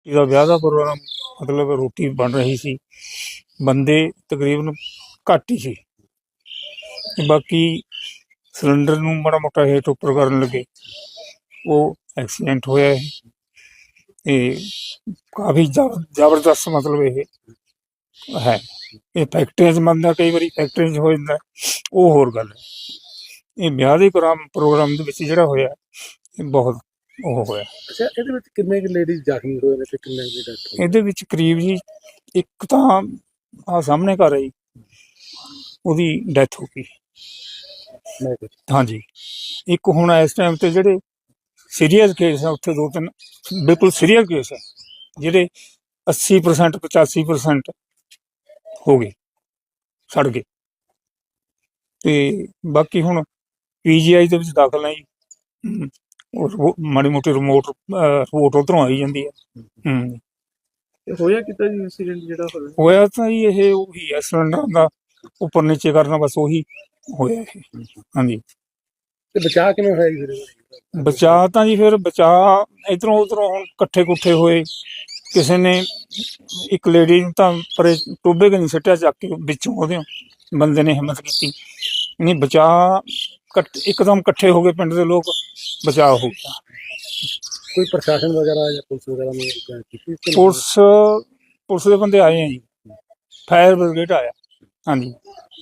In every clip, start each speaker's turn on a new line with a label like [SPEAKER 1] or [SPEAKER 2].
[SPEAKER 1] ਇਹਦਾ ਵਿਆਹ ਦਾ ਪ੍ਰੋਗਰਾਮ ਮਤਲਬ ਰੋਟੀ ਬਣ ਰਹੀ ਸੀ, ਬੰਦੇ ਤਕਰੀਬਨ ਘੱਟ ਹੀ ਸੀ। ਬਾਕੀ ਸਿਲੰਡਰ ਨੂੰ ਮਾੜਾ ਮੋਟਾ ਹੇਠ ਉੱਪਰ ਕਰਨ ਲੱਗੇ, ਉਹ ਐਕਸੀਡੈਂਟ ਹੋਇਆ ਇਹ। ਤੇ ਕਾਫੀ ਜ਼ਬਰਦਸਤ ਮਤਲਬ ਇਹ ਹੈ। ਇਹ ਫੈਕਟਰੀਆਂ 'ਚ ਬਣਦਾ, ਕਈ ਵਾਰੀ ਫੈਕਟਰੀਆਂ 'ਚ ਹੋ ਜਾਂਦਾ, ਉਹ ਹੋਰ ਗੱਲ ਹੈ। ਇਹ ਵਿਆਹ ਦੇ ਪ੍ਰੋਗਰਾਮ ਦੇ ਵਿੱਚ ਜਿਹੜਾ ਹੋਇਆ, ਇਹ ਬਹੁਤ ਉਹ ਹੋਇਆ।
[SPEAKER 2] ਅੱਛਾ, ਇਹਦੇ ਵਿੱਚ ਕਿੰਨੇ ਕੁ ਲੇਡੀਜ਼ ਜ਼ਖਮੀ ਹੋਏ ਨੇ ਤੇ ਕਿੰਨੇ ਦੀ ਡੈਥ ਹੋਈ?
[SPEAKER 1] ਇਹਦੇ ਵਿੱਚ ਕਰੀਬ ਜੀ ਇੱਕ ਤਾਂ ਆਹ ਸਾਹਮਣੇ ਘਰ ਹੈ ਜੀ, ਉਹਦੀ ਡੈਥ ਹੋ ਗਈ। ਹਾਂਜੀ, ਇੱਕ ਹੁਣ ਇਸ ਟਾਈਮ ਤੇ ਜਿਹੜੇ ਸੀਰੀਅਸ ਕੇਸ ਆ ਉੱਥੇ 2-3 ਬਿਲਕੁਲ ਸੀਰੀਅਸ ਕੇਸ ਆ, ਜਿਹੜੇ 80% 85% ਹੋ ਗਏ, ਸੜ ਗਏ। ਤੇ ਬਾਕੀ ਹੁਣ PGI ਦੇ ਵਿੱਚ ਦਾਖਲ ਹੈ ਜੀ। ਮਾੜੀ ਮੋਟੀ ਰਿਪੋਰਟ ਉੱਧਰੋਂ ਆਈ ਜਾਂਦੀ ਹੈ।
[SPEAKER 2] ਹੋਇਆ ਕਿੱਦਾਂ ਜੀ ਇੰਸੀਡੈਂਟ ਜਿਹੜਾ
[SPEAKER 1] ਹੋਇਆ ਤਾਂ ਜੀ ਇਹ ਉਹੀ ਹੈ, ਸਿਲੰਡਰ ਦਾ ਉੱਪਰ ਨੀਚੇ ਕਰਨਾ, ਬਸ ਉਹੀ ਹੋਇਆ ਇਹ। ਹਾਂਜੀ,
[SPEAKER 2] ਤੇ ਬਚਾਅ ਕਿਵੇਂ ਹੋਇਆ ਜੀ ਫਿਰ?
[SPEAKER 1] ਬਚਾਅ ਤਾਂ ਜੀ ਫਿਰ ਬਚਾਅ ਇੱਧਰੋਂ ਉੱਧਰੋਂ ਹੁਣ ਇਕੱਠੇ ਕੁੱਠੇ ਹੋਏ। ਕਿਸੇ ਨੇ ਇੱਕ ਲੇਡੀ ਨੂੰ ਤਾਂ ਪਰੇ ਟੋਭੇ ਕੇ ਨਹੀਂ ਸਿੱਟਿਆ, ਚੱਕ ਕੇ ਵਿੱਚੋਂ ਉਹਦੇ ਬੰਦੇ ਨੇ ਹਿੰਮਤ ਕੀਤੀ, ਨਹੀਂ ਬਚਾਅ ਇੱਕਦਮ ਇਕੱਠੇ ਹੋ ਗਏ ਪਿੰਡ ਦੇ ਲੋਕ, ਬਚਾਅ ਹੋ ਗਿਆ।
[SPEAKER 2] ਕੋਈ ਪ੍ਰਸ਼ਾਸਨ ਵਗੈਰਾ ਜਾਂ ਪੁਲਿਸ ਵਗੈਰਾ ਨੇ ਕੀਤੀ?
[SPEAKER 1] ਪੁਲਿਸ ਦੇ ਬੰਦੇ ਆਏ ਆ ਜੀ, ਫਾਇਰ ਬ੍ਰਿਗੇਡ ਆਇਆ। ਹਾਂਜੀ,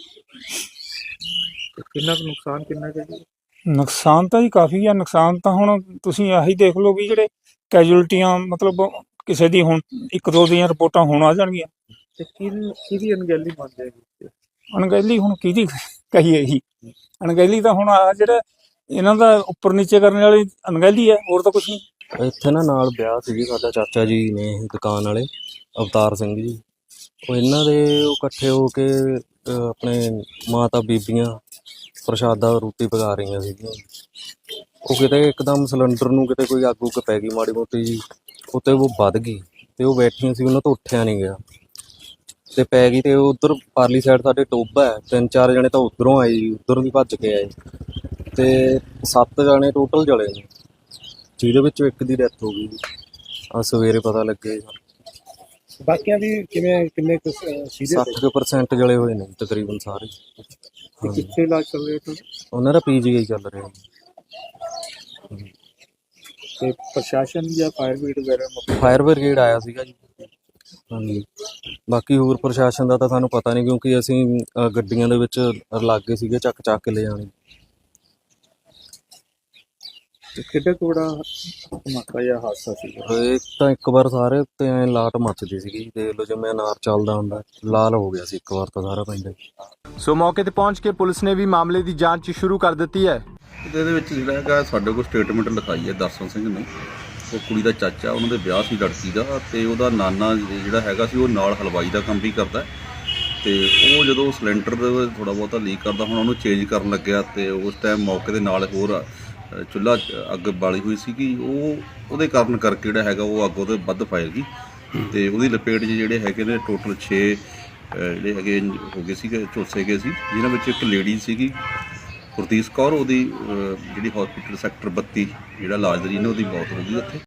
[SPEAKER 2] ਕਿੰਨਾ ਕੁ ਨੁਕਸਾਨ ਕਿੰਨਾ ਕੁ ਜੀ?
[SPEAKER 1] ਨੁਕਸਾਨ ਤਾਂ ਜੀ ਕਾਫੀ ਆ। ਨੁਕਸਾਨ ਤਾਂ ਹੁਣ ਤੁਸੀਂ ਆਹੀ ਦੇਖ ਲਓ ਵੀ ਜਿਹੜੇ ਕੈਜੂਅਲਟੀਆਂ ਮਤਲਬ ਕਿਸੇ ਦੀ ਹੁਣ 1-2 ਦੀਆਂ ਰਿਪੋਰਟਾਂ ਹੁਣ ਆ ਜਾਣਗੀਆਂ।
[SPEAKER 2] ਤੇ ਕਿਹਦੀ ਅਣਗਹਿਲੀ ਮੰਨਦੇ ਜੀ?
[SPEAKER 1] ਅਣਗਹਿਲੀ ਹੁਣ ਕਿਹਦੀ ਕਹੀਏ ਜੀ? ਅਣਗਹਿਲੀ ਤਾਂ ਹੁਣ ਆ ਜਿਹੜਾ ਇਹਨਾਂ ਦਾ ਉੱਪਰ ਨੀਚੇ ਕਰਨ ਵਾਲੀ ਅਣਗਹਿਲੀ ਹੈ, ਹੋਰ ਤਾਂ ਕੁਛ ਨਹੀਂ।
[SPEAKER 3] ਇੱਥੇ ਨਾ ਨਾਲ ਵਿਆਹ ਸੀ ਜੀ, ਸਾਡਾ ਚਾਚਾ ਜੀ ਨੇ ਦੁਕਾਨ ਵਾਲੇ ਅਵਤਾਰ ਸਿੰਘ ਜੀ, ਉਹ ਇਹਨਾਂ ਦੇ ਉਹ ਇਕੱਠੇ ਹੋ ਕੇ ਆਪਣੇ ਮਾਤਾ ਬੀਬੀਆਂ ਪ੍ਰਸ਼ਾਦਾ ਰੋਟੀ ਪਕਾ ਰਹੀਆਂ ਸੀਗੀਆਂ। ਉਹ ਕਿਤੇ ਇੱਕਦਮ ਸਿਲੰਡਰ ਨੂੰ ਕਿਤੇ ਕੋਈ ਅੱਗ ਉੱਗ ਪੈ ਗਈ ਮਾੜੀ ਮੋਟੀ ਜੀ, ਉੱਤੇ ਉਹ ਵੱਧ ਗਈ ਤੇ ਉਹ ਬੈਠੀਆਂ ਸੀ, ਉਹਨਾਂ ਤੋਂ ਉੱਠਿਆ ਨਹੀਂ ਗਿਆ ਤੇ ਪੈ ਗਈ। ਤੇ ਉੱਧਰ ਪਾਰਲੀ ਸਾਈਡ ਸਾਡੇ ਟੋਭਾ ਹੈ, 3-4 ਜਣੇ ਤਾਂ ਉੱਧਰੋਂ ਆਏ ਜੀ, ਉੱਧਰ ਵੀ ਭੱਜ ਕੇ ਆਏ ਤੇ 7 ਜਣੇ ਟੋਟਲ ਜਲੇ ਨੇ, ਜਿਹਦੇ ਵਿੱਚੋਂ ਇੱਕ ਦੀ ਡੈਥ ਹੋ ਗਈ ਜੀ। ਆ ਸਵੇਰੇ ਪਤਾ ਲੱਗੇ।
[SPEAKER 2] ਬਾਕੀਆਂ ਦੀ ਕਿੰਨੇ ਕੁ ਸੀਰੀਅਸ?
[SPEAKER 3] 60% ਜਲੇ ਹੋਏ ਨੇ ਤਕਰੀਬਨ ਸਾਰੇ।
[SPEAKER 2] ਕਿੱਥੇ ਇਲਾਜ ਚੱਲ ਰਿਹਾ
[SPEAKER 3] ਉਹਨਾਂ ਦਾ PGI ਚੱਲ ਰਿਹਾ।
[SPEAKER 2] ਤੇ ਪ੍ਰਸ਼ਾਸਨ ਜਾਂ
[SPEAKER 3] ਫਾਇਰ ਬ੍ਰਿਗੇਡ ਆਇਆ ਸੀਗਾ ਜੀ। ਹਾਂਜੀ, ਬਾਕੀ ਹੋਰ ਪ੍ਰਸ਼ਾਸਨ ਦਾ ਤਾਂ ਸਾਨੂੰ ਪਤਾ ਨਹੀਂ, ਕਿਉਂਕਿ ਅਸੀਂ ਗੱਡੀਆਂ ਦੇ ਵਿੱਚ ਲਾਗੇ ਸੀਗੇ, ਚੱਕ ਕੇ ਲੈ ਜਾਣੇ।
[SPEAKER 2] ਕਿੱਡਾ ਕੋੜਾ ਧਮਾਕਾ ਜਾਂ ਹਾਦਸਾ ਸੀਗਾ?
[SPEAKER 3] ਇਹ ਤਾਂ ਇੱਕ ਵਾਰ ਸਾਰੇ ਉੱਤੇ ਐਂ ਲਾਟ ਮੱਚਦੀ ਸੀਗੀ, ਦੇਖ ਲਓ ਜਿਵੇਂ ਅਨਾਰ ਚੱਲਦਾ ਹੁੰਦਾ, ਲਾਲ ਹੋ ਗਿਆ ਸੀ ਇੱਕ ਵਾਰ ਤਾਂ ਸਾਰਾ ਪਿੰਡ।
[SPEAKER 4] ਸੋ ਮੌਕੇ ਤੇ ਪਹੁੰਚ ਕੇ ਪੁਲਿਸ ਨੇ ਵੀ ਮਾਮਲੇ ਦੀ ਜਾਂਚ ਸ਼ੁਰੂ ਕਰ ਦਿੱਤੀ ਹੈ।
[SPEAKER 5] ਇਹਦੇ ਵਿੱਚ ਜਿਹੜਾ ਹੈਗਾ ਸਾਡੇ ਕੋਲ ਸਟੇਟਮੈਂਟ ਲਿਖਾਈ ਹੈ ਦਰਸ਼ਨ ਸਿੰਘ ਨੇ, ਉਹ ਕੁੜੀ ਦਾ ਚਾਚਾ, ਉਹਨਾਂ ਦੇ ਵਿਆਹ ਸੀ ਲੜਕੀ ਦਾ, ਤੇ ਉਹਦਾ ਨਾਨਾ ਜਿਹੜਾ ਹੈਗਾ ਸੀ ਉਹ ਨਾਲ ਹਲਵਾਈ ਦਾ ਕੰਮ ਵੀ ਕਰਦਾ। ਤੇ ਉਹ ਜਦੋਂ ਸਿਲੰਡਰ ਥੋੜ੍ਹਾ ਬਹੁਤਾ ਲੀਕ ਕਰਦਾ, ਹੁਣ ਉਹਨੂੰ ਚੇਂਜ ਕਰਨ ਲੱਗਿਆ ਤੇ ਉਸ ਟਾਈਮ ਮੌਕੇ ਦੇ ਨਾਲ ਹੋਰ ਚੁੱਲ੍ਹਾ ਅੱਗ ਬਾਲੀ ਹੋਈ ਸੀਗੀ, ਉਹਦੇ ਕਾਰਨ ਕਰਕੇ ਜਿਹੜਾ ਹੈਗਾ ਉਹ ਅੱਗ ਉਹਦੇ ਵੱਧ ਫੈਲ ਗਈ ਤੇ ਉਹਦੀ ਲਪੇਟ 'ਚ ਜਿਹੜੇ ਹੈਗੇ ਨੇ ਟੋਟਲ 6 ਜਿਹੜੇ ਹੈਗੇ ਹੋ ਗਏ ਸੀਗੇ, ਝੁਲਸੇ ਗਏ ਸੀ, ਜਿਨ੍ਹਾਂ ਵਿੱਚ ਇੱਕ ਲੇਡੀ ਸੀਗੀ ਗੁਰਦੀਸ਼ ਕੌਰ, ਉਹਦੀ ਜਿਹੜੀ ਹੌਸਪੀਟਲ ਸੈਕਟਰ 32 ਜਿਹੜਾ ਇਲਾਜ ਦੇ ਰਹੀ ਨੇ, ਉਹਦੀ ਮੌਤ ਹੋ ਗਈ ਉੱਥੇ।